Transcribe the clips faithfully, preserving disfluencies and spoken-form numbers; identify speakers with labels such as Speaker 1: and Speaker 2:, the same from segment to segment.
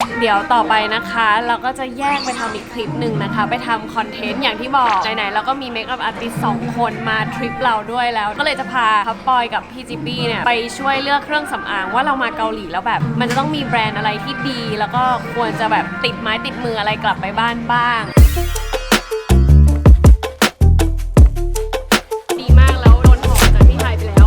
Speaker 1: เดี๋ยวต่อไปนะคะเราก็จะแยกไปทำอีกคลิปหนึ่งนะคะไปทำคอนเทนต์อย่างที่บอกไหนๆเราก็มีเมคอัพอาร์ติสต์สองคนมาทริปเราด้วยแล้วก็เลยจะพาพับปอยกับพี่จิปปี้เนี่ยไปช่วยเลือกเครื่องสำอางว่าเรามาเกาหลีแล้วแบบมันจะต้องมีแบรนด์อะไรที่ดีแล้วก็ควรจะแบบติดไม้ติดมืออะไรกลับไปบ้านบ้างดีมากแล้วโดนหอมจากพี่ไทยไปแล้ว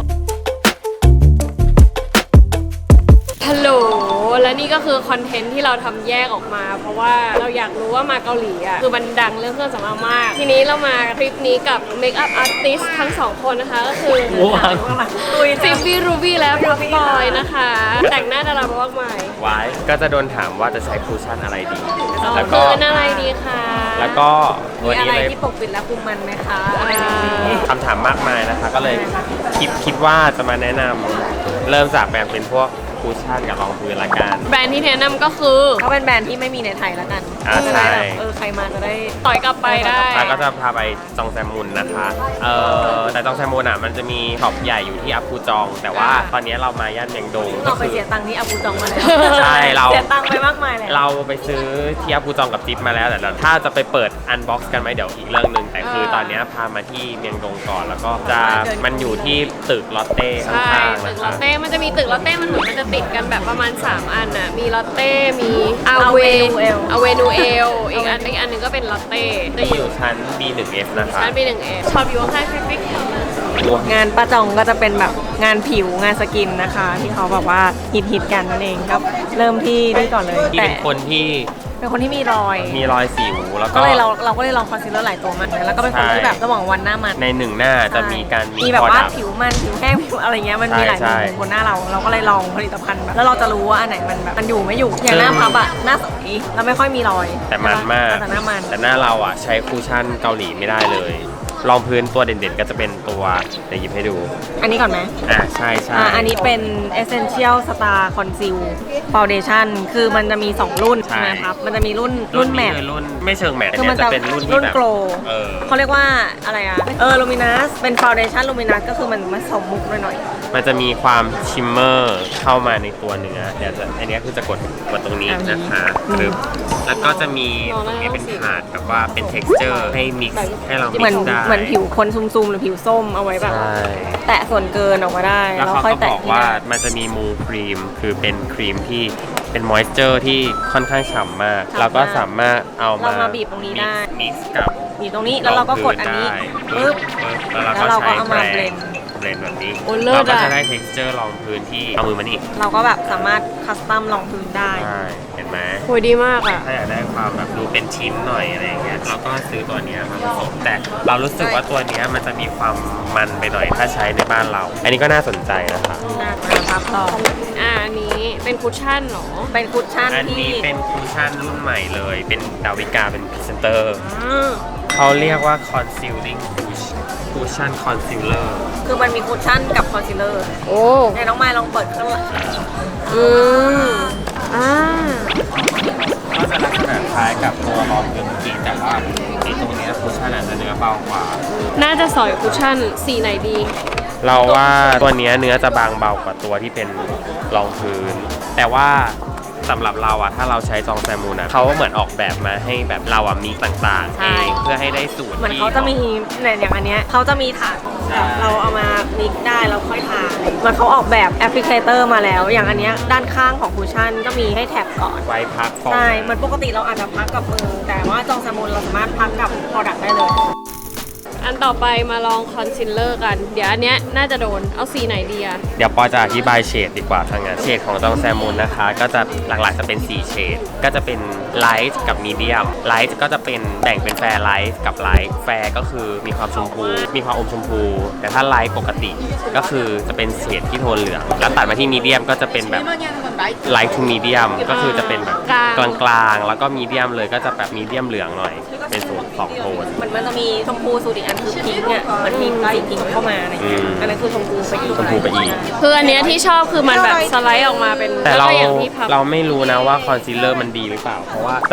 Speaker 1: ฮัลโหลและนี่ก็คือคอนเทนต์ที่เราทำแยกออกมาเพราะว่าเราอยากรู้ว่ามาเกาหลีอ่ะคือมันดังเรื่องเครื่องสำอางมากทีนี้เรามาคลิปนี้กับเมคอัพอาร์ติสต์ทั้งสองคนนะคะก็คือซิปปี้รูบี้และพับปอยนะคะแต่งหน้าดารามากมาย
Speaker 2: ไว้ก็จะโดนถามว่าจะใช้คูชั่นอะไรดี
Speaker 1: แล้วก็อะไรดีคะ
Speaker 2: แล้วก็
Speaker 1: มีอะไรที่ปกปิดและคุมมันไหมคะ
Speaker 2: คำถามมากมายนะคะก็เลยคิดคิดว่าจะมาแนะนำเริ่มจากแบ่งเป็นพวกคูชั่นกับรองพื้นละกัน
Speaker 1: แบรนด์ที่แนะนำก็คือเขาเป็นแบรนด์ที่ไม่มีในไทยละกัน
Speaker 2: จะได้แบบ
Speaker 1: เออใครมาจะได้ต่อยกลับไปได้
Speaker 2: แล้วก็จะพาไปจองแซมมุนนะคะเออแต่จองแซมมุนอ่ะมันจะมีช็อปใหญ่อยู่ที่อัปปูจองแต่ว่าตอนนี้เรามาย่านเมียงดง
Speaker 1: เราไปเสียตังค์ที่อัปปูจองมาแล้ว
Speaker 2: ใช่เรา
Speaker 1: เสียตังค์ไปมากมายเลย
Speaker 2: เราไปซื้อที่อัปปูจองกับจิ๊บมาแล้วแต่ถ้าจะไปเปิดอันบ็อกซ์กันไหมเดี๋ยวอีกเรื่องนึงแต่คือตอนนี้พามาที่เมียงดงก่อนแล้วก็จะมันอยู่ที่ตึกลอตเต้ข้างๆ
Speaker 1: ตึกลอตเต้มันจะมีตึกลอตเต้มันเหมือนมันจะติดกันแบบประมาณสามอันน่ะมีลอตเต้มีอาเวนูเอลอาเวนูเอลอีกอันอีกอันนึงก็เป็นลอตเต้
Speaker 2: ที่อยู่ชั้น บี หนึ่ง เอฟ นะคะ
Speaker 1: ชั้น บี หนึ่ง เอฟ ชอบอยู่ข้างๆฟิกงานป้าจองก็จะเป็นแบบงานผิวงานสกินนะคะที่เขาแบบว่าฮิตฮิตกันนั่นเองครับเริ่มที่นี่ก่อนเลย
Speaker 2: ที่เป็นคนที่
Speaker 1: เป็นคนที่มีรอย
Speaker 2: มีรอยสิวแล้วก็
Speaker 1: เลยเราเราก็เลยลองคอนซีลเลอร์หลายตัวมันแล้วก็เป็นคนที่แบบระหว่างวันหน้ามัน
Speaker 2: ในหนึ่งหน้าจะมีการ
Speaker 1: มีแบบว่าผิวมันผิวแห้งผิวอะไรเงี้ยมันมีหลายมุมบนหน้าเราเราก็เลยลองผลิตภัณฑ์แบบแล้วเราจะรู้ว่าอันไหนมันแบบมันอยู่ไม่อยู่อย่างหน้าพับอะหน้าใสแล้วไม่ค่อยมีรอย
Speaker 2: แต่มันมาก
Speaker 1: แต่หน้ามัน
Speaker 2: แต่หน้าเราอะใช้คูชั่นเกาหลีไม่ได้เลยรองพื้นตัวเด่นๆก็จะเป็นตัวเดี๋ยวหยิบให้ดู
Speaker 1: อันนี้ก่อนไหม
Speaker 2: อ่าใช่ใช่
Speaker 1: อันนี้เป็น Essential Star Conceal Foundation คือมันจะมีสองรุ่นใช่ไหมครับมันจะมีรุ่นรุ่นแมท
Speaker 2: รุ่นไม่เชิงแมทคือมันจะเป็นรุ่น
Speaker 1: รุ่นโกล
Speaker 2: เ
Speaker 1: ขาเรียกว่าอะไรอะเออ Luminous เป็น Foundation Luminous ก็คือมันมาสมมุกหน่อย
Speaker 2: ๆมันจะมีความชิมเมอร์เข้ามาในตัวเนื้อเดี๋ยวอันนี้คือจะกดกดตรงนี้นะคะหรือแล้วก็จะมีตรงนี้เป็นถาดแบบว่าเป็น texture ให้ mix ให้เรา mix ได้
Speaker 1: เหมือนผิวคนซุ่มๆหรือผิวส้มเอาไว้แบบแตะส่วนเกินออกมาได้
Speaker 2: แล้วเขาก็บอกว่ามันจะมีมูครีมคือเป็นครีมที่เป็นมอยส์เจอร์ที่ค่อนข้างฉ่ำมากเราก็สามารถเอามา
Speaker 1: บีบตรงนี้ได้
Speaker 2: mix กับ
Speaker 1: บีบตรงนี้แล้วเราก็กดอันนี้ปึ๊บ
Speaker 2: แล้วเราก็เอามาเบลนด์เบลนด์แบบนี้เราก็จะได้ texture รองพื้นที่เอามือมานี่
Speaker 1: เราก็แบบสามารถคัสตอมรองพื้นได้
Speaker 2: เห็นไหม
Speaker 1: โหดีมากอ่ะ
Speaker 2: ถ้าอยากได้ความแบบดูเป็นชิ้นหน่อยอะไรอย่างเงี้ยเราก็ซื้อตัวนี้มาผสมแต่เรารู้สึกว่าตัวนี้มันจะมีความมันไปหน่อยถ้าใช้ในบ้านเราอันนี้ก็น่าสนใจนะคะ
Speaker 1: น่าครับต่ออ่าอันนี้เป็นคุชชั่นหรอเป็นคุชชั่น
Speaker 2: อันนี้เป็นคุชชั่นรุ่นใหม่เลยเป็นดาวิกาเป็นพรีเซนเตอร์เขาเรียกว่า concealing cushion concealer
Speaker 1: คือมันมีคุชชั่นกับคอนซีลเลอร์โอ้ไหนน้องไม้ลองเปิดข้างหลังอืมอ่า
Speaker 2: ก็จะลักษณะคล้ายกับตัวรองพื้นเมื่อกี้แต่ว่าไอ้ตรงนี้คุชชั่นอาจจะเนื้อเบากว่า
Speaker 1: น่าจะสอยคุชชั่นสีไหนดี
Speaker 2: เราว่าตัวนี้เนื้อจะบางเบากว่าตัวที่เป็นรองพื้นแต่ว่าสำหรับเราอะถ้าเราใช้จองแซมูนอะเขาเหมือนออกแบบมาให้แบบเราอะมีต่างๆเองเพื่อให้ได้สูตร
Speaker 1: เหมือนเขาจะมีเนี่ยอย่างอันเนี้ยเขาจะมีถาดแบบเราเอามามิกได้เราค่อยทามันเขาออกแบบแอปพลิเคเตอร์มาแล้วอย่างอันเนี้ยด้านข้างของคุชชั่นก็มีให้แท็บก่อน
Speaker 2: ไว้พัก
Speaker 1: ใช่มันปกติเราอาจจะพักกับมือแต่ว่าจองแซมูนเราสามารถพักกับ product ได้เลยอันต่อไปมาลองคอนซีลเลอร์กันเดี๋ยวอันเนี้ยน่าจะโดนเอาสีไหนดีอะ
Speaker 2: เดี๋ยวปอจะอธิบายเฉดดีกว่าทางงานเฉดของจองแซมูนนะคะก็จะหลักๆจะเป็นสี่เฉดก็จะเป็นไลท์กับมีเดียมไลท์ก็จะเป็นแบ่งเป็นแฟร์ไลท์กับไลท์แฟร์ก็คือมีความชมพูมีความอมชมพูแต่ถ้าไลท์ปกติก็คือจะเป็นเฉดที่โทนเหลืองแล้วตัดมาที่มีเดียมก็จะเป็นแบบไลท์ทูมีเดียมก็คือจะเป็นแบบกลางๆแล้วก็มีเดียมเลยก็จะแบบมีเดียมเหลืองหน่อยเป็นสูตรสองโทน
Speaker 1: มันจะมีชมพูสูตรอีกอันคือพิงค์อ่ะมันมีสีพิงค์เข้ามาอะไรอย่างเงี้ยอันนั้นคือชมพูไปอีก
Speaker 2: ชมพูไปอีก
Speaker 1: คืออันเนี้ยที่ชอบคือมันแบบสไลด์ออกมาเป็น
Speaker 2: แต่เราเราไม่รู้นะว่าคอนซีลเลอร์มันดีหรือเปล่าเพราะว่าจาก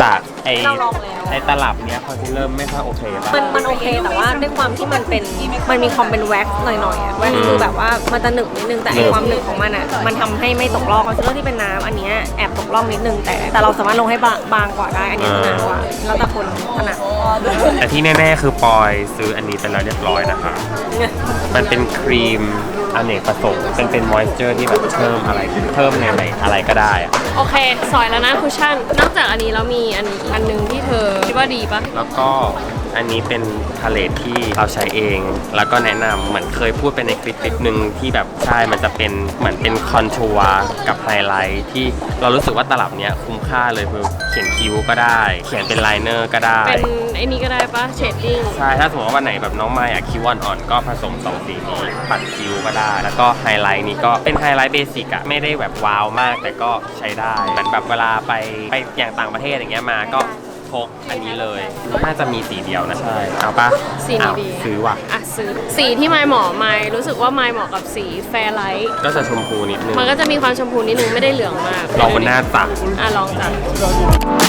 Speaker 2: ไอ้
Speaker 3: เราลองแล้ว
Speaker 2: ไอ้ตลับเนี้ยคอนซีลเลอร์ไม่ค่อยโอเคป่ะ
Speaker 3: มันมันโอเคแต่ว่าด้วยความที่มันเป็นมันมีความเป็นแว็กซ์หน่อยๆอะแว็กซ์คือแบบว่ามันจะหนึบนิดนึงแต่ไอ้ความหนึบของมันอ่ะมันทำให้ไม่ตกล่องคอนซีลเลอร์ที่เป็นน้ำอันเนี้ยแอบตกล่องนิดนึงแต่แต่เราสามารถลงให้บางบางกว่าได้อันนี้จะหนากว่าแล้วแต่คนถนัด
Speaker 2: แต่ที่แน่ๆคือปอยซื้ออันนี้ไปแล้วเรียบร้อยนะคะ มันเป็นครีมอเนกประสงค์เป็นเป็นมอยส์เจอร์ที่แบบเพิ่มอะไรเพิ่มในอะไรอะไรก็ได้อะ
Speaker 1: โอเค สอยแล้วนะคุชชั่น นอกจากอันนี้แล้วมีอันอันหนึงที่เธอคิดว่าดีปะ
Speaker 2: แล้วก็อันนี้เป็นพาเลทที่เราใช้เอง แล้วก็แนะนำเหมือนเคยพูดไปในคลิปคลิปหนึ่งที่แบบใช่มันจะเป็นเหมือนเป็นคอนทัวร์กับไฮไลท์ที่เรารู้สึกว่าตลับเนี้ยคุ้มค่าเลยคือเขียนคิ้วก็ได้ เขียนเป็นไลเนอร์ก็ได้
Speaker 1: เป็นไอ้นี่ก็ได้ปะเชดดิ้ง
Speaker 2: ใช่ถ้าสมมติว่าวันไหนแบบน้องไม้อะคิ้วอ่อนๆก็ผสมสองสีนี้ปัดคิ้วก็ได้ แล้วก็ไฮไลท์นี้ก็เป็นไฮไลท์เบสิกอะไม่ได้แบบว้าวมากแต่ก็ใช้ได้เหมือนแบบเวลาไปไปอย่างต่างประเทศอย่างเงี้ยมาก็พกอันนี้เลยน่าจะมีสีเดียวนะใช่เอาปะ
Speaker 1: สีนี้
Speaker 2: เอา
Speaker 1: ดี
Speaker 2: ซื้อว่ะ
Speaker 1: อ่ะซื้อ สีที่ไมค์เหมาะไมค์รู้สึกว่าไมค์เหมาะกับสีแฟร์ไลท์
Speaker 2: ก็จะชมพูนิดนึง
Speaker 1: มันก็จะมีความชมพูนิดนึงไม่ได้เหลืองมาก
Speaker 2: ลองบนหน้าตัก
Speaker 1: อ่ะลองจัด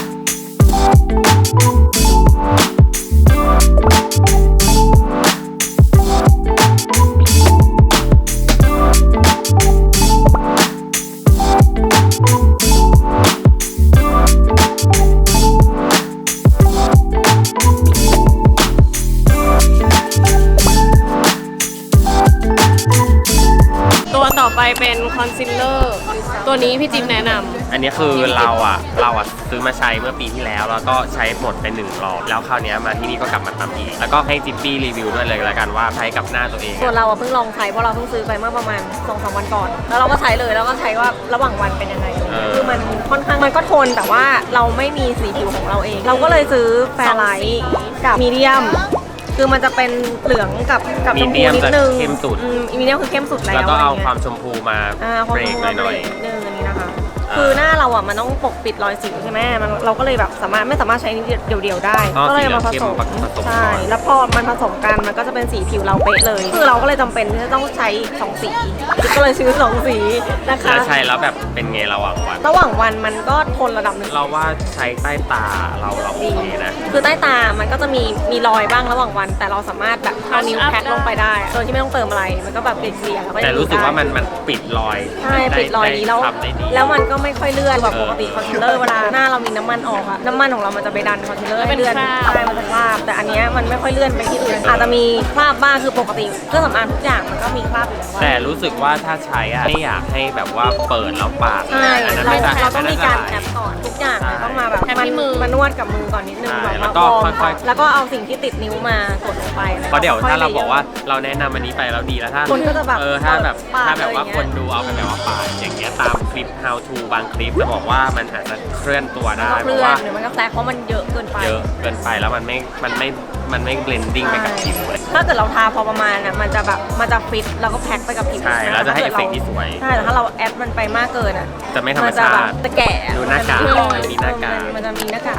Speaker 1: ตัวต่อไปเป็นคอนซีลเลอร์ตัวนี้พี่จิ๊บแนะนำ
Speaker 2: อันนี้คือเราอ่ะเราอ่ะซื้อมาใช้เมื่อปีที่แล้ว แล้วก็ใช้หมดไปหนึ่งรอบแล้วคราวนี้มาที่นี่ก็กลับมาทำอีกแล้วก็ให้จิ๊บปี้รีวิวด้วยเลยแล้วกันว่าใช้กับหน้าตัวเอง
Speaker 3: ส่วนเราอะเพิ่งลองใช้เพราะเราเพิ่งซื้อไปเมื่อประมาณสองสามวันก่อน แล้วเราก็ใช้เลยแล้วก็ใช้ว่าระหว่างวันเป็นยังไง
Speaker 2: เออ
Speaker 3: คือมันค่อนข้างมันก็ทนแต่ว่าเราไม่มีสีผิวของเราเอง เราก็เลยซื้อแฟร์ไลท์กับมีเดียมคือมันจะเป็นเหลืองกับกับชมพูนิดนึง
Speaker 2: มีเดียมจะเข้มสุด
Speaker 3: อืมมีเดียมคือเข้มสุดแล้ว
Speaker 2: แล้วก็เอา
Speaker 3: ะไรงี้ย
Speaker 2: ความชมพูมา
Speaker 3: อ่าความ
Speaker 2: เบรกหน่อย
Speaker 3: นิดนึงอันนี้นะคะ คือหน้าเราอ่ะมันต้องปกปิดรอยสิวใช่ไหมมันเราก็เลยแบบสามารถไม่สามารถใช้เดี่ยวๆได้
Speaker 2: อ๋อ
Speaker 3: ก็เลยเอามาผ
Speaker 2: สี
Speaker 3: ส
Speaker 2: เหลื
Speaker 3: ม
Speaker 2: องเข้มผสม
Speaker 3: ใช่
Speaker 2: ก่อน
Speaker 3: แล้วพอมันผสมกันมันก็จะเป็นสีผิวเราเป๊ะเลย คือเราก็เลยจำเป็นที่จะต้องใช้สองสีก็เลยซื้อสองสีนะ
Speaker 2: ๆ
Speaker 3: คะ
Speaker 2: แล้วใช้แล้วแบบเป็นไงระหว่างวัน
Speaker 3: ระหว่างวันมันก็ทนระดับหนึ่ง
Speaker 2: เราว่าใช้ใต้ตาเราเราโอเคนะ
Speaker 3: คือใต้ตามันก็จะมีมีรอยบ้างระหว่างวัน แต่เราสามารถแบบเอานิ้วแพ็คลงไปได้โดยที่ไม่ต้องเติมอะไร มันก็แบบเกลี่ยๆแล้วก็
Speaker 2: แต่
Speaker 3: ยัง
Speaker 2: รู้สึกว่ามัน
Speaker 3: ได้
Speaker 2: มันปิดรอย
Speaker 3: ใช่ปิดรอยนี้แล้ว
Speaker 2: ทำได้ดี
Speaker 3: แล้วมันก็ไม่ค่อยเลื่อนแบบปกติ
Speaker 2: เออ
Speaker 3: คอนซีลเลอร์เวลาหน้าเรามีน้ำมันออกอะน้ำมันของเรามันจะไปดันคอนซีลเลอร์ให้เลื่อน
Speaker 1: เป็นคราบ
Speaker 3: ใช่มันจะคราบแต่อันเนี้ยมันไม่ค่อยเลื่อนไปที่อื่นอาจจะมีคราบบ้างคือปกติเครื่องสำอางทุกอย่างมันก็มีคราบอยู่แล้ว
Speaker 2: แต่รู้สึกว่าถ้าใช้อะไม่อยากให้แบบว่าเปิดแล้วปาด
Speaker 3: ใช่
Speaker 2: อันนั้น
Speaker 3: เรา
Speaker 2: ไม่ได้
Speaker 3: เราต้องมีการ
Speaker 2: อัน
Speaker 3: แอ
Speaker 2: นั้น
Speaker 3: ปก่อนทุกอย่าง
Speaker 2: ใช่
Speaker 3: ต้องมาแบบ
Speaker 1: แอป
Speaker 3: มัน
Speaker 1: ที่มือ
Speaker 3: มานวดกับมือก่อนนิดนึง
Speaker 2: ใช่
Speaker 3: แบบ
Speaker 2: แล้ว
Speaker 3: ว่า
Speaker 2: ก็
Speaker 3: วอร์ม
Speaker 2: ค่อยๆ
Speaker 3: แล้วก็เอาสิ่งที่ติดนิ้วมากดลงไป
Speaker 2: เพราะเดี๋ยวถ้าเราบอกว่า
Speaker 3: ค่ย
Speaker 2: เราแนะนำอันนี้ไปแล้วดีแล้วถ้า
Speaker 3: คนก็จะแบบ
Speaker 2: เออถ้าแบบ
Speaker 3: ปาด
Speaker 2: ถ้าแบบว่า
Speaker 3: อะไร
Speaker 2: ค
Speaker 3: เงี้ย
Speaker 2: นดูเอาไปแบบว่าปาดอย่างเงี้ยตามคลิป how to บางคลิปจะบอกว่ามันอาจจะเคลื่อนตัว
Speaker 3: มัน
Speaker 2: ได้
Speaker 3: ก็
Speaker 2: เพ
Speaker 3: เลื่
Speaker 2: ราะ
Speaker 3: อน
Speaker 2: ว่า
Speaker 3: หรือมันก็แทรกเพราะมันเยอะเกินไป
Speaker 2: เยอะเกินไปแล้วมันไม่มันไม่มันไม่ blending ไปกับผิวเลย
Speaker 3: ถ้าเกิดเราทาพอประมาณน่ะมันจะแบบมันจะฟิตแล้วก็แพ็คไปกับผิว
Speaker 2: ใช่แล้วจะให้เอฟเฟกต์ที่สวย
Speaker 3: ใช่แต่ถ้าเราแอดมันไปมากเกินอ่ะ
Speaker 2: จะไม่ธรรม
Speaker 3: นจะ
Speaker 2: ชา
Speaker 3: แบบ
Speaker 2: ติ
Speaker 3: จะแก่
Speaker 2: ดูหน้ากาก
Speaker 3: มัจะ
Speaker 2: มันมีหน้ากาก
Speaker 3: มันจะมีหน้ากาก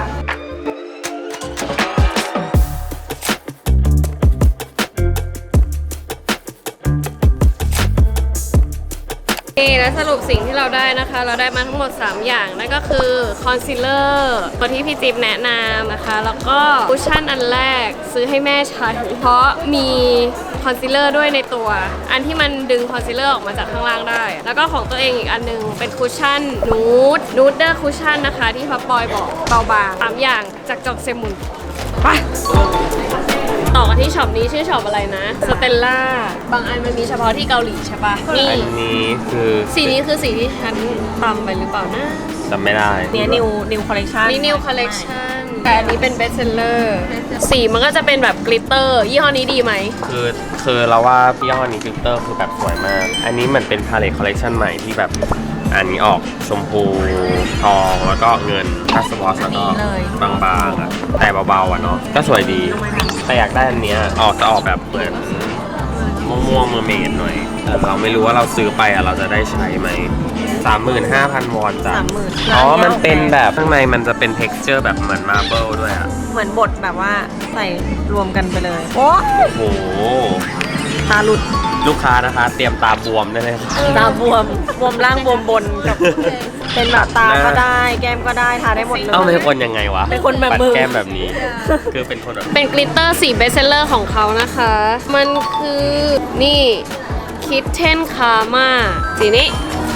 Speaker 1: นี่และสรุปสิ่งที่เราได้นะคะ เราได้มาทั้งหมด สาม อย่างนั่นก็คือคอนซีลเลอร์ตัวที่พี่จิ๊บแนะนำนะคะ แล้วก็คุชชั่นอันแรกซื้อให้แม่ใช้เพราะมีคอนซีลเลอร์ด้วยในตัว อันที่มันดึงคอนซีลเลอร์ออกมาจากข้างล่างได้ แล้วก็ของตัวเองอีกอันนึงเป็นคุชชั่นนูดนูดเดอร์คุชชั่นนะคะที่พับปอยบอกเบาบางสามอย่างจากจอกเซมุนไปต่อกันที่ช็อปนี้ชื่อช็อปอะไรนะสเตลล่าบางอันมันมีเฉพาะที่เกาหลีใช่ปะนี่
Speaker 2: อันนี้คือ
Speaker 1: สีนี้คือสีที่ฉันตำไปหรือเปล่านะ
Speaker 2: จำไม่ได้
Speaker 3: เนี่ยนิวนิวคอลเลคชัน
Speaker 1: นี่ new collection แต่อันนี้เป็น best seller สีมันก็จะเป็นแบบกลิตเตอร์ยี่ห้อนี้ดีไหม
Speaker 2: คือคือเราว่าพี่ย่ห้อนี้ฟิลเตอร์คือแบบสวยมาก อันนี้มันเป็นพาเลทคอลเลคชันใหม่ที่แบบอันนี้ออกชมพูทองแล้วก็เงินทัสวอสแล้วก็บางๆอ่ะแต่เบาๆอ่ะเนาะก็สวยดี แต่อยากได้อันเนี้ยออกจะออกแบบเหมือนม่วงๆเมอร์เมดหน่อยแต่เราไม่รู้ว่าเราซื้อไปอ่ะเราจะได้ใช้ไหมสามหมื่นห้าพันวอนจ้ะ
Speaker 3: สามหมื่น
Speaker 2: อ๋อมันเป็นแบบข้างในมันจะเป็น texture แบบเหมือนมาร์เบิลด้วยอ่ะ
Speaker 3: เหมือนบทแบบว่าใส่รวมกันไปเลย โอ้
Speaker 2: โอ้โห
Speaker 3: ตาหลุด
Speaker 2: ลูกค้านะคะ เตรียมตาบวมได้เลย
Speaker 3: ตาบวมบวมล่างบวมบนกับเป็นแบบตาก็ได้แก้มก็ได้ทาได้หมดเลย
Speaker 2: เอ้าเป็นคนยังไงวะ
Speaker 3: เป็นคนแบบ
Speaker 2: ปัด
Speaker 3: มือ
Speaker 2: แก้มแบบนี้ คือเป็นคนแบบ
Speaker 1: เป็นกลิตเตอร์สีเบสเซลเลอร์ของเขานะคะ มันคือนี่คิทเทนคาร์มาสีนี้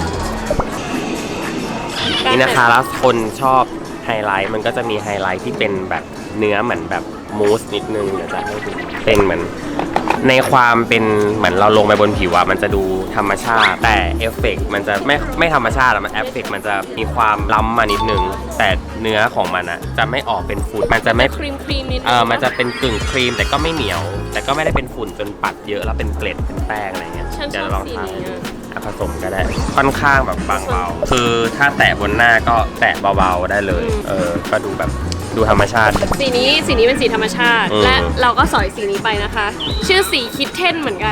Speaker 2: นี่นะคะแล้วคนชอบไฮไลท์มันก็จะมีไฮไลท์ที่เป็นแบบเนื้อเหมือนแบบมูสนิดนึงเดี๋ยวจะให้ดูเป็นเหมือนในความเป็นเหมือนเราลงไปบนผิวอะมันจะดูธรรมชาติ แต่เอฟเฟกต์มันจะไม่ไม่ธรรมชาติอะมันเอฟเฟกต์มันจะมีความล้ำมานิดนึง แต่เนื้อของมันอะจะไม่ออกเป็นฝุ่นมันจะไม่
Speaker 1: ครีมครีมนิดนึง
Speaker 2: เออมันจะเป็นกึ่งครีมแต่ก็ไม่เหนียว แต่ก็ไม่ได้เป็นฝุ่นจนปัดเยอะแล้วเป็นเกล็ดเป็นแป้งอะไรเงี้ย
Speaker 1: ฉันช
Speaker 2: เดี๋ยว
Speaker 1: อบ
Speaker 2: ลอง
Speaker 1: สี
Speaker 2: ทา
Speaker 1: นี้อะ
Speaker 2: อ่ะผสมก็ได้ค่อนข้างแบบบางเบาคือถ้าแตะบนหน้าก็แตะเบาๆได้เลยเออก็ดูแบบดูธรรมชาติ
Speaker 1: สีนี้สีนี้เป็นสีธรรมชาติ
Speaker 2: อืม
Speaker 1: และเราก็สอยสีนี้ไปนะคะ ชื่อสีคิทเทนเหมือนกัน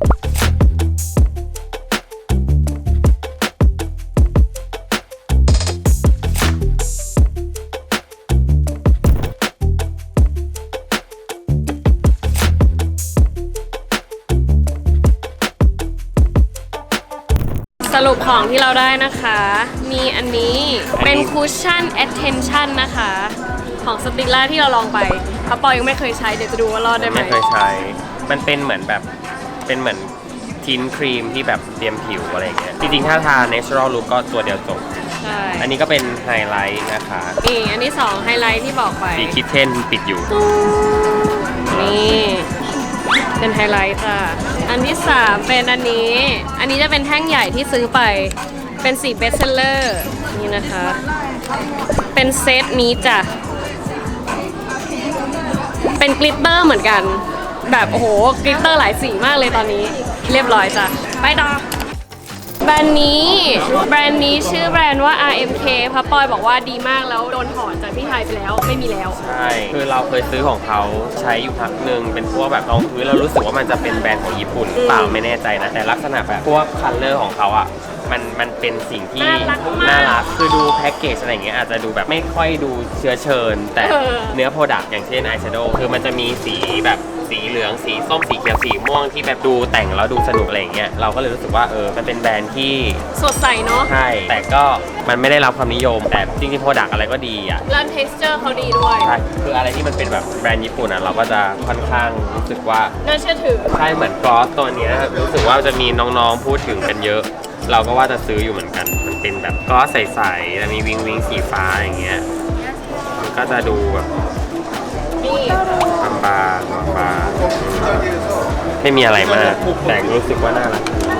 Speaker 1: สรุปของที่เราได้นะคะ มีอันนี้เป็นคุชชั่น attention นะคะ ของสติลล่าที่เราลองไปพระปอยังไม่เคยใช้เดี๋ยวจะดูว่ารอดได้ไหม
Speaker 2: ไม่เคยใช้ มันเป็นเหมือนแบบเป็นเหมือนทินครีมที่แบบเตรียมผิวอะไรอย่างเงี้ยจริงๆถ้าทา natural look ก็ตัวเดียวจบ
Speaker 1: ใช่
Speaker 2: อันนี้ก็เป็นไฮไลท์นะคะ
Speaker 1: นี่อันที่สองไฮไลท์ที่บอกไป
Speaker 2: สีคิทเทนปิดอยู่
Speaker 1: นี่เป็นไฮไลท์ค่ะ อันที่สามเป็นอันนี้ อันนี้จะเป็นแท่งใหญ่ที่ซื้อไป เป็นสีเบสเซลเลอร์นี่นะคะ เป็นเซตนี้จ้ะ เป็นกลิตเตอร์เหมือนกัน แบบโอ้โหกลิตเตอร์หลายสีมากเลยตอนนี้ เรียบร้อยจ้ะ ไปต่อ แบรนด์นี้แบรนด์นี้ชื่อแบรนด์ว่า อาร์ เอ็ม เค พระปอยบอกว่าดีมากแล้วโดนถอนจากที่ไทยไปแล้วไม่มีแล้ว
Speaker 2: ใช่ คือเราเคยซื้อของเขาใช้อยู่พักหนึ่งเป็นพวกแบบรองพื้นเรารู้สึกว่ามันจะเป็นแบรนด์ของญี่ปุ่นเปล่าไม่แน่ใจนะ แต่ลักษณะแบบพวกคัลเลอร์ของเขาอ่ะ มันมันเป็นสิ่งที่
Speaker 1: น่ารักมาก
Speaker 2: น่ารัก คือดูแพ็กเกจอะไรอย่างเงี้ยอาจจะดูแบบไม่ค่อยดูเชื้อเชิญ แต่
Speaker 1: เออ
Speaker 2: เนื้อโปรดักต์อย่างเช่นอายแชโดว์คือมันจะมีสีแบบสีเหลืองสีส้มสีเขียวสีม่วงที่แบบดูแต่งแล้วดูสนุกอะไรอย่างเงี้ยเราก็เลยรู้สึกว่าเออมันเป็นแบรนด์ที่
Speaker 1: สดใสเนาะ
Speaker 2: ใช่ แต่ก็มันไม่ได้รับความนิยม แต่จริงๆโปรดักต์อะไรก็ดีอ่ะ
Speaker 1: แล้ว texture เขาดีด้วย
Speaker 2: ใช่ คืออะไรที่มันเป็นแบบแบรนด์ญี่ปุ่นอ่ะเราก็จะค่อนข้างรู้สึกว่า
Speaker 1: น่าเชื่อถือ
Speaker 2: ใช่เหมือนกลอสตัวเนี้ยรู้สึกว่าจะมีน้องๆพูดถึงกันเยอะ เราก็ว่าจะซื้ออยู่เหมือนกัน มันเป็นแบบกลอสใสๆแล้วมีวิงวิงสีฟ้าอย่างเงี้ย มันก็จะดูแบบ
Speaker 1: นี่
Speaker 2: บางๆบางๆไม่มีอะไรมาก แต่รู้สึกว่าน่ารัก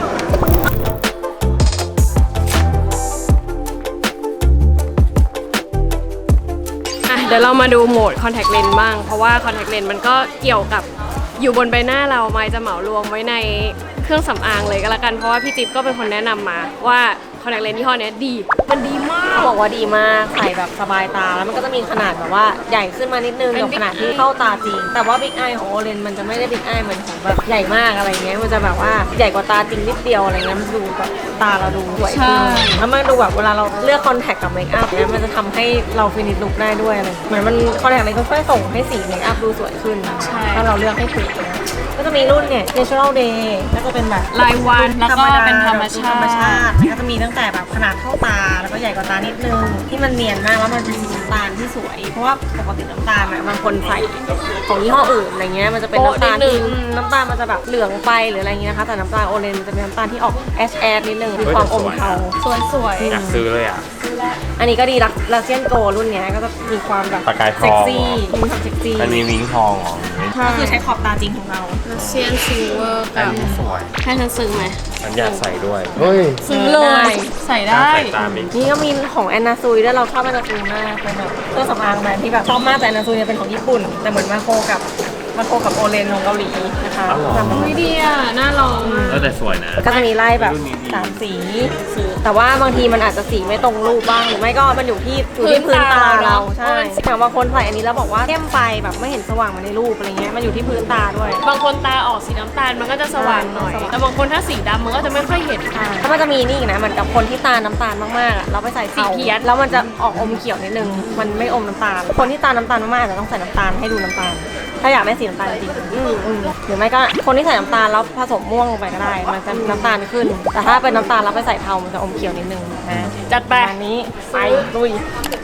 Speaker 1: อ่ะเดี๋ยวเรามาดูโหมด contact lens บ้าง เพราะว่า contact lens มันก็เกี่ยวกับอยู่บนใบหน้าเราไมค์จะเหมารวมไว้ในเครื่องสำอางเลยก็แล้วกัน เพราะว่าพี่จิ๊บก็เป็นคนแนะนำมาว่า contact lens ยี่ห้อเนี้ยดี มันดีมาก
Speaker 3: บอกว่าดีมากใส่แบบสบายตาแล้วมันก็จะมีขนาดแบบว่าใหญ่ขึ้นมานิดนึง
Speaker 1: เป็น
Speaker 3: กับ
Speaker 1: Big
Speaker 3: ขนาดที่เข้าตาจริง แต่ว่าบิ๊กไอของโอเลนมันจะไม่ได้บิ๊กไอเหมือนของแบบใหญ่มากอะไรเงี้ยมันจะแบบว่าใหญ่กว่าตาจริงนิดเดียวอะไรเงี้ยมันดูแบบตาเราดูสวยขึ้นแล้วมันดูแบบเวลาเราเลือกคอนแทคกับเมคอัพเนี่ยมันจะทำให้เราฟินิชลุคได้ด้วยอะไรเหมือนมันคอนแทคเลยก็ช่วยส่งให้สีเมคอัพดูสวยขึ้นถ้าเราเลือกให้ถูกนะก็จะมีรุ่นเนี่ย natural day ก็จะเป็นแบบ
Speaker 1: รายวันแล้วก็เป็นธรรมชาติ
Speaker 3: ธรรมชาติก็จะมีตั้งแต่แบบขนาดเท่าตาแล้วก็ใหญ่กว่าตานิดนึงที่มันเนียนมากแล้วมันเป็นสีน้ำตาลที่สวย เพราะว่าปกติน้ำตาลอะบางคนใส่ของยี่ห้ออื่นอะไรเงี้ยมันจะเป็นน้ำตาลที่อืมน้ำตาลมันจะแบบเหลืองไปหรืออะไรเงี้ยนะคะแต่น้ำตาลโอเลนมันจะเป็นน้ำตาลที่ออกแอชแอชนิดนึงมีความอมเทา
Speaker 1: สวยสวย
Speaker 2: อยากซื้อเลยอ่ะ
Speaker 3: อันนี้ก็ดีลักลาเซียนโกรุ่นเนี้ยก็จะมีความแบบ
Speaker 2: ประกายทอง
Speaker 3: เซ็กซี่มีความเซ็กซี่
Speaker 2: มันมีวิงทองเหรอ
Speaker 3: ก็คือใช้ขอบตาจริงของเรา
Speaker 1: เซียนซิลเวอร์
Speaker 2: อั
Speaker 1: กัน บ
Speaker 2: นี้สวย
Speaker 1: ให้ฉันซื้อไหม
Speaker 2: ฉันอยากใส่ด้วย เฮ้ย
Speaker 1: ซื้อเลย ใส่ได้
Speaker 2: ใส่ตามอีก
Speaker 3: นี่ก็มีของแอนนาซุยด้วยเราชอบแอนนาซุยมากเป็นแบบเครื่องสำอางแบรนด์ที่แบบชอบมากแต่แอนนาซุยเนี่ยเป็นของญี่ปุ่น แต่เหมือนมาโคกับมาโคกับโอเลนของเกาหลีนะคะ
Speaker 2: อ๋อเหรอ
Speaker 3: จำได้
Speaker 1: ไม่ดีอ่ะ น่าลองอ่ะ
Speaker 2: เออแต่สวยนะ
Speaker 3: ก็จะมีไล่แบบ
Speaker 2: รุ่นนี้ดี
Speaker 3: สามสีแต่ว่าบางทีมันอาจจะสีไม่ตรงรูปบ้างหรือไม่ก็มันอยู่ที่อยู่ที่
Speaker 1: พื้
Speaker 3: พื้
Speaker 1: น
Speaker 3: น
Speaker 1: ตา
Speaker 3: ตา
Speaker 1: เรา
Speaker 3: เราใช่อย่างบางคนใส่อันนี้แล้วบอกว่าเข้มไปแบบไม่เห็นสว่างเหมาในรูปอะไรเงี้ยมันอยู่ที่พื้นตาด้วย
Speaker 1: บางคนตาออกสีน้ำตาลมันก็จะสว่างหน่อย
Speaker 3: สว่าง
Speaker 1: แต่บางคนถ้าสีดำมันก็จะไม่ค่อยเห็น
Speaker 3: แล้วมันจะมีนี่อีกนะเหมือนกับคนที่ตาน้ำตาลมากๆอะเราไปใส่
Speaker 1: สีเพี้ยน
Speaker 3: แล้วมันจะออกอมเขียวนิดนึงมันไม่อมน้ำตาล คนที่ตาน้ำตาลมากๆอาจจะต้องใส่น้ำตาลให้ดูน้ำตาล ถ้าอยากได้สีน้ำตาลจริงๆอืมอืมหรือไม่ก็คนที่ใส่น้ำตาลแล้วผสมม่วงลงไปก็ได้ มันจะน้ำตาลขึ้น แต่ถ้าเป็นน้ำตาลแล้วไปใส่เทามันจะอมเขียวนิดนึงนะ
Speaker 1: จัดไป
Speaker 3: อันนี้ไปลุย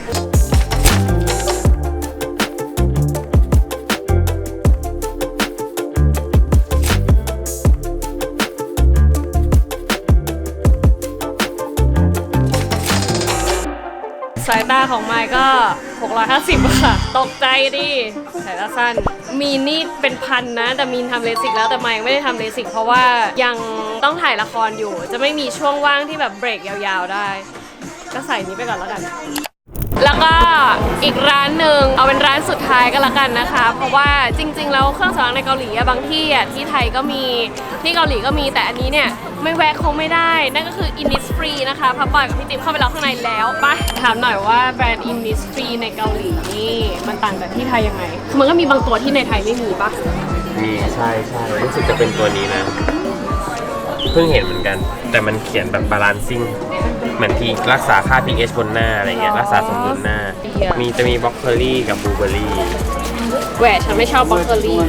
Speaker 1: สายตาของไมค์ก็ หกร้อยห้าสิบ ค่ะ ตกใจดิสายตาสั้น มีนี่เป็นพันนะ แต่มีนทำเลสิกแล้วแต่ไมค์ยังไม่ได้ทำเลสิกเพราะว่ายังต้องถ่ายละครอยู่ จะไม่มีช่วงว่างที่แบบเบรกยาวๆได้ ก็ใส่นี้ไปก่อนแล้วกัน แล้วก็อีกร้านหนึ่งเอาเป็นร้านสุดท้ายก็แล้วกันนะคะ เพราะว่าจริงๆแล้วเครื่องสำอางในเกาหลีอะบางที่อะที่ไทยก็มีที่เกาหลีก็มีแต่อันนี้เนี่ยไม่แวะคงไม่ได้ นั่นก็คือ Innisfree นะคะพับปอยกับพี่ติ๊บเข้าไปแล้วข้างในแล้วไปถามหน่อยว่าแบรนด์ Innisfree ในเกาหลีนี่มันต่างจากที่ไทยยังไงคือมันก็มีบางตัวที่ในไทยไม่มีปะ
Speaker 2: มีใช่ใช่รู้สึกจะเป็นตัวนี้นะ เพิ่งเห็นเหมือนกัน แต่มันเขียนแบบบาลานซิ่งเหมือนที่รักษาค่า pH บนหน้าอะไรเงี้ยรักษาสมดุลหน้า มีจะมีบล็อกเ e อรี่กับบลูเบอรี่
Speaker 1: แหวะฉันไม่ชอบบล็อกเกอรี่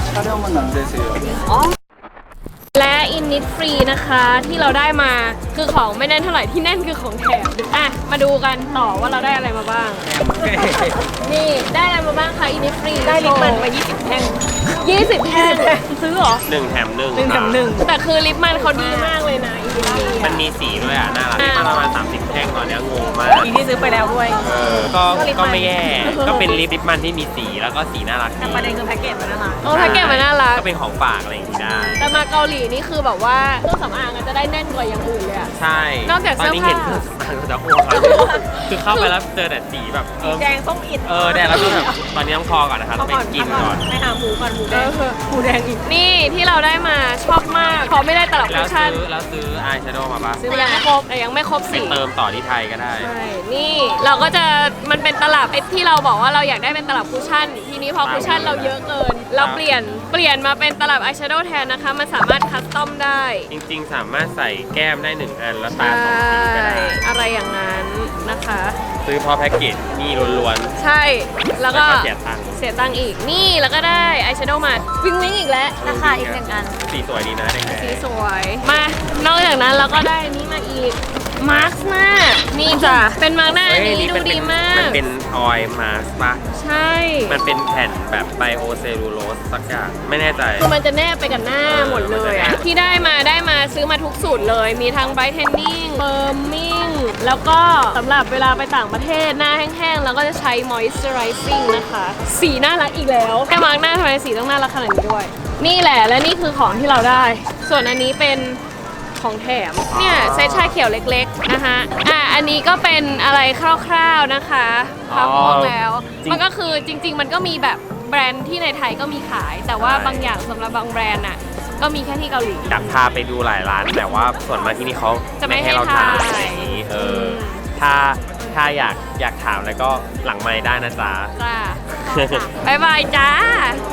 Speaker 1: และ Innisfree นะคะที่เราได้มาคือของไม่แน่นเท่าไหร่ที่แน่นคือของแถมอ่ะมาดูกันต่อว่าเราได้อะไรมาบ้าง นี่ได้อะไรมาบ้างคะ Innisfree
Speaker 3: ได้ลิปมันมายี่สิบแท่ง
Speaker 1: ยี่สิบแท่งซื้อเหรอ
Speaker 2: หนึ่งแถมหนึ่ง
Speaker 3: หนึ่งแถมหนึ่ง
Speaker 1: แต่คือลิปมันเขาดีมากเลยนะ Innisfree
Speaker 2: มันมีสีด้วยอ่ะ น่ารักที่ประมาณสามสิบแท่งตอนเนี้ยงงมาก
Speaker 3: อีที่ซื้อไปแล้วด้วย
Speaker 2: เออก็
Speaker 3: ก็ลิปมัน
Speaker 2: ก็ไม่แย่ ก็เป็นลิปลิปมันที่มีสีแล้วก็สีน่ารัก
Speaker 3: แต่
Speaker 2: ดี
Speaker 3: ประเด็นคือแพ็กเกจมันน่ารัก
Speaker 1: โอ้แพ็กเกจมันน่ารัก
Speaker 2: ก็เป็นของฝากอะไรอย่างงี้ได้
Speaker 1: แต่มาเกาหลีนี่คือแบบว่าเครื่องสำอางจะได้แน่นกว่าอย่างอื่นเลยอะ
Speaker 2: ใช่
Speaker 1: นอกจาก
Speaker 2: ตอนนี้
Speaker 1: เสื้
Speaker 2: เห็
Speaker 1: อน ผ้า
Speaker 2: เครื่องสำอางก็จะอ้วกแล้วคือเข้าไปแล้วเจอแต่สีแบบเออ
Speaker 3: แดงส้มอิด
Speaker 2: เออแดงแล้วก็แบบตอนนี้ต้องพอก่อนนะคะต้องไปกินก่อน
Speaker 3: ไปหาหมูก่อนหมูแดงหมูแดงอีก
Speaker 1: นี่ที่เราได้มาชอบมากเพราะไม่ได้ตลับ
Speaker 2: แล้
Speaker 1: คุ
Speaker 2: ว
Speaker 1: ชชั่น
Speaker 2: ซื้อแล้วซื้ออายแชโดว์มาปะ
Speaker 1: ซื้อมายังไม่ครบแต่ยังไม่ครบ
Speaker 2: ไป
Speaker 1: สี
Speaker 2: เติมต่อที่ไทยก็ได้
Speaker 1: ใช่ นี่เราก็จะมันเป็นตลับไอ้ที่เราบอกว่าเราอยากได้เป็นตลับคุชชั่น ทีนี้พอคุชชั่นเราเยอะเกิน เราเปลี่ยนเปลี่ยนมาเป็นตลับอายแชโดว์แทนนะคะ มันสามารถคัสตอมได้
Speaker 2: จริงๆ สามารถใส่แก้มได้หนึ่งอันแล้วตาสองสีก็ได้
Speaker 1: อะไรอย่างนั้นนะคะ
Speaker 2: ซื้อเพราะแพ็กเกจนี่ล้วน
Speaker 1: ใช่
Speaker 2: ๆ
Speaker 1: แล้วก็
Speaker 2: เสียตังค์
Speaker 1: เสียตังค์อีก นี่แล้วก็ได้อายแชโดว์มาวิงวิงอีกแล้ว
Speaker 3: ราคาอีกหนึ่งอัน
Speaker 2: สีสวยดีนะแดง
Speaker 1: สีสวย มา นอกจากนั้นเราก็ได้อันนี้มาอีก มาร์คหน้า นี่จ้ะ เป็นมาร์คหน้า
Speaker 2: ๆ
Speaker 1: อัน
Speaker 2: เฮ้ย
Speaker 1: นี้ดู
Speaker 2: มันเป็
Speaker 1: ดี
Speaker 2: น
Speaker 1: มาก
Speaker 2: มันเป็นออยล์มาสปะ
Speaker 1: ใช่
Speaker 2: มันเป็นแผ่นแบบไบโอเซลลูโลสสักอย่างไม่แน่ใจ
Speaker 1: คือมันจะแนบไปกับหน้าหมดเลยอะที่ได้มาได้มาซื้อมาทุกสูตรเลย มีทั้งไบรท์เทนนิ่งเฟิร์มมิ่ง แล้วก็สำหรับเวลาไปต่างประเทศหน้าแห้งๆ แล้วก็จะใช้ moisturizing นะคะ สีน่ารักอีกแล้วแค่มาร์คหน้าทำไมสีต้องน่ารักขนาดนี้ด้วย นี่แหละและนี่คือของที่เราได้ ส่วนอันนี้เป็นของแถม เนี่ยเซตชาเขียวเล็กๆนะคะอ่ะอันนี้ก็เป็นอะไรคร่าวๆนะคะพับม่วงแล้ว
Speaker 2: จริง
Speaker 1: มันก็คือจริง ๆ มันก็มีแบบแบรนด์ที่ในไทยก็มีขาย แต่ว่า
Speaker 2: ใช่
Speaker 1: บางอย่างสำหรับบางแบรนด์อ่ะก็มีแค่ที่เกาหลี
Speaker 2: อยากพาไปดูหลายร้าน แต่ว่าส่วนมากที่นี่เขา
Speaker 1: จะไม่
Speaker 2: ไม่ให้เรา
Speaker 1: ให้
Speaker 2: ถ่าย
Speaker 1: ถ่าย
Speaker 2: อะไรอย่างนี้เออถ้าถ้าอยากอยากถามแล้วก็หลังไมค์ได้นะจ๊ะ
Speaker 1: จ้า บ๊ายบายจ้า